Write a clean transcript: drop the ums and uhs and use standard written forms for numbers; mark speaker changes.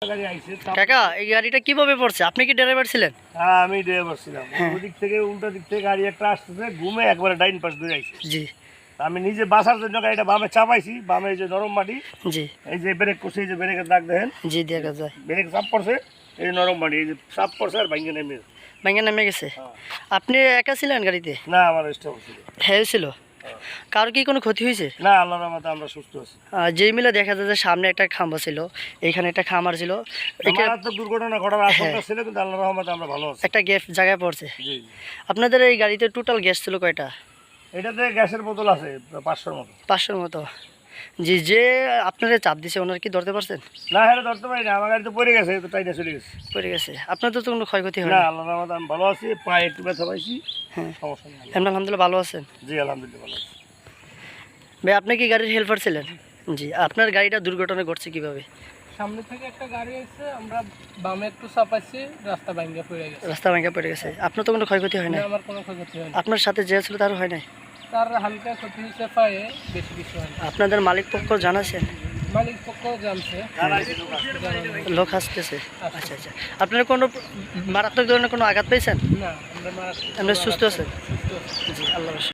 Speaker 1: কাকা এই গাড়িটা কিভাবে পড়ছে? আপনি কি ড্রাইভার ছিলেন?
Speaker 2: হ্যাঁ আমি ড্রাইভার ছিলাম। ওদিক থেকে উল্টা দিক থেকে গাড়ি একটা আসতেছে, ঘুমে একবারে ডাইন পাশ ধরে আইছে।
Speaker 1: জি
Speaker 2: আমি নিজে বাসার জন্য গাড়িটা বামে চাপাইছি, বামে এই যে নরম মাটি,
Speaker 1: জি
Speaker 2: এই যে ব্রেক করছে, এই যে ব্রেকের দাগ দেখেন,
Speaker 1: জি দেখা যায়।
Speaker 2: ব্রেক চাপ পড়ছে, এই যে নরম মাটি, এই যে চাপ পড়ছে আর ভাঙ্গে নেমে গেছে।
Speaker 1: ভেঙে নেমে গেছে। আপনি একা ছিলেন গাড়িতে?
Speaker 2: না আমার স্টপ ছিল।
Speaker 1: হ্যাঁ ছিল। কারো কি কোনো ক্ষতি হয়েছে?
Speaker 2: না আল্লাহর রহমতে আমরা সুস্থ আছি।
Speaker 1: যেই মিলে দেখা যায় যে সামনে একটা খাম্বা ছিল, এইখানে একটা খামার ছিল,
Speaker 2: মারাত্মক দুর্ঘটনা ঘটার আশঙ্কা ছিল, কিন্তু আল্লাহর রহমতে আমরা ভালো আছি।
Speaker 1: একটা গ্যাস জায়গায় পড়ছে।
Speaker 2: জি
Speaker 1: আপনাদের এই গাড়িতে টোটাল গ্যাস ছিল কয়টা?
Speaker 2: এটাতে গ্যাসের বোতল আছে 500-র মতো।
Speaker 1: 500-র মতো। জি, যে আপনারা চাপ দিছে ওনার কি ধরতে পারছেন?
Speaker 2: না হ্যাঁ ধরতে পারি না, আমার গাড়ি তো পড়ে গেছে, তো টাইটা চলে গেছে।
Speaker 1: পড়ে গেছে। আপনার তো কোনো ক্ষয়ক্ষতি হয়
Speaker 2: না
Speaker 1: না?
Speaker 2: আল্লাহর রহমতে আমি ভালো আছি, পায়ে একটু ব্যথা পাইছি,
Speaker 1: হ্যাঁ
Speaker 2: সমস্যা নেই।
Speaker 1: এমনি আলহামদুলিল্লাহ ভালো আছেন?
Speaker 2: জি আলহামদুলিল্লাহ ভালো আছি।
Speaker 1: ভাই আপনি কি গাড়ির হেল্পার ছিলেন? জি, আপনার গাড়িটা দুর্ঘটনা ঘটছে কিভাবে?
Speaker 3: সামনে থেকে একটা গাড়ি এসে আমরা বামে একটু চাপাইছি, রাস্তা ভাঙ্গা পড়ে গেছে।
Speaker 1: রাস্তা ভাঙা পড়ে গেছে। আপনার তো কোনো ক্ষয়ক্ষতি হয় না?
Speaker 3: আমার কোনো ক্ষয়ক্ষতি হয়নি।
Speaker 1: আপনার সাথে যে ছিল তারও হয় নাই?
Speaker 3: তার হালকা ক্ষতি হয়েছে পায়ে, বেশি কিছু হয়নি।
Speaker 1: আপনাদের মালিক পক্ষ জানাছেন?
Speaker 3: মালিক পক্ষ জানছে,
Speaker 1: লোক আসতেছে। আচ্ছা আচ্ছা। আপনারা কোনো মারাত্মক ধরনের কোনো আঘাত পেয়েছেন?
Speaker 3: না আমরা মারা
Speaker 1: আমরা সুস্থ আছেন?
Speaker 3: সুস্থ আছি।
Speaker 1: জি আল্লাহ